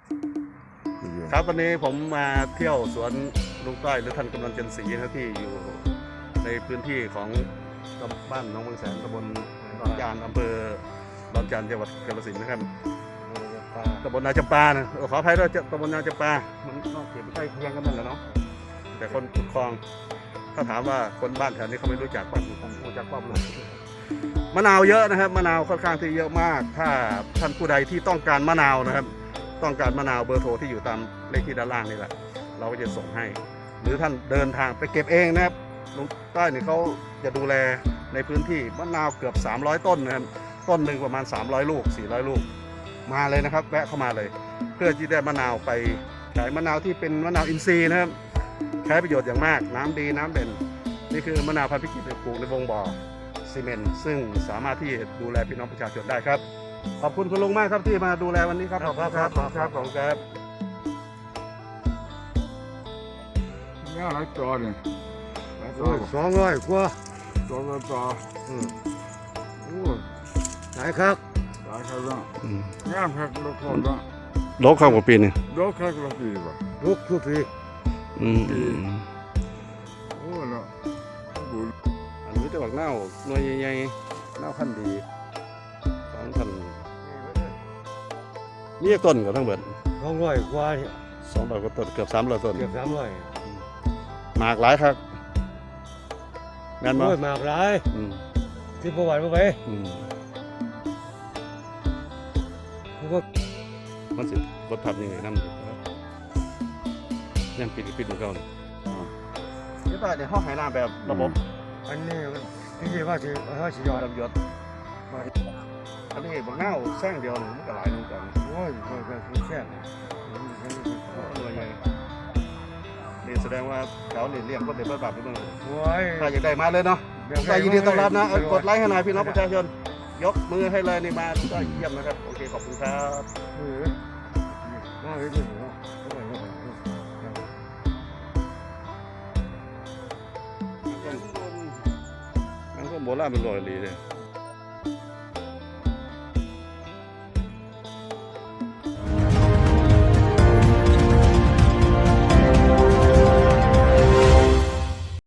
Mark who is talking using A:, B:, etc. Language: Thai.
A: ครับวันนี้ผมมาเที่ยวสวนลุงต้อยหรือท่านกำนันจันทร์ศรีนะครับที่อยู่ในพื้นที่ของบ้านหนองบางแสนตำบลดอนจานอำเภอดอนจานจังหวัดกาฬสินธุ์นะครับตำบลนาจำปานะขออภัยด้วยตำบลนาจำปามันนอกเขตใกล้เคียงกันนั่นแหละเนาะแต่คนขุดคลองถ้าถามว่าคนบ้านแถวนี้เขาไม่รู้จักป้อมผมรู้จักป้อมเลยมะนาวเยอะนะครับมะนาวค่อนข้างที่เยอะมากถ้าท่านผู้ใดที่ต้องการมะนาวนะครับต้องการมะนาวเบอร์โทรที่อยู่ตามเลขที่ด้านล่างนี่แหละเราก็จะส่งให้หรือท่านเดินทางไปเก็บเองนะครับลุงต้อยเนี่ยเขาจะดูแลในพื้นที่มะนาวเกือบ300ต้นนะครับต้นหนึ่งประมาณ300ลูก400ลูกมาเลยนะครับแวะเข้ามาเลยเพื่อที่ได้มะนาวไปขายมะนาวที่เป็นมะนาวอินทรีย์นะครับใช้ประโยชน์อย่างมากน้ำดีน้ำเด่นนี่คือมะนาวพันธุ์พิจิตรปลูกในวงบ่อซีเมนต์ซึ่งสามารถที่จะดูแลพี่น้องประชาชนได้ครับขอบคุณคุณลุงมากครับที่มาดูแลวันนี้ครับขอบคุณครับขอบคุณครับขอบคุณครับ
B: นี่หลายจอเนี่ยหลายจอ
C: 200 กว่า
B: จอละจอโอ้ย
C: หลายครับ
B: หลายครับนะงามครับละคนนะ
A: โลกข้าวกว่าปีนี่
B: ดอกครับละปีป่ะ
C: ลูกทุกที
B: โอ้ยละบุญ
A: อันนี้จะบอกเน่าหน่วยใหญ่ๆเน่าพันธุ์ดีของท่านนี่ต้นกับทั้งเบิด
C: 200 กว่าเนี่ย
A: 200กว่าต้นเกือบ300ต้น
C: เกือบ300
A: หมากหลายครับแม่นบ่
C: โอ้ยมากหลาย
A: อืม
C: ที่ประวัติบ่ไป
A: อืม
C: ผมก็
A: มันสิรถพับยังไงนำอยู่ยังปิดเหมือนเก่าเลยนี่ป่ะเดี๋ยวห้องหายน้ำแบบระบบ
C: อันนี้มันที่ว่าสิยอด
A: ระบบยศอันนี้บอกเน่าแซงเดียวหนึ่งมันก็หลายนึงกัน
C: โอ้ยแค่นี้
A: หน่วยใหญ่นี่แสดงว่าแถวนี่เลี้ยงคนเด็กแบบนี้บ้าง
C: โอ้ย
A: ถ้าอยากได้มาเลยเนาะก็ยินดีต้อนรับนะกดไลค์ให้หน่อยพี่น้องประชาชนยกมือให้เลยนี่มาก็เยี่ยมนะครับโอเคขอบคุณครับ
C: มาเลยดิเนาะ
A: มันก็โบราณเป็นรอยลีเลย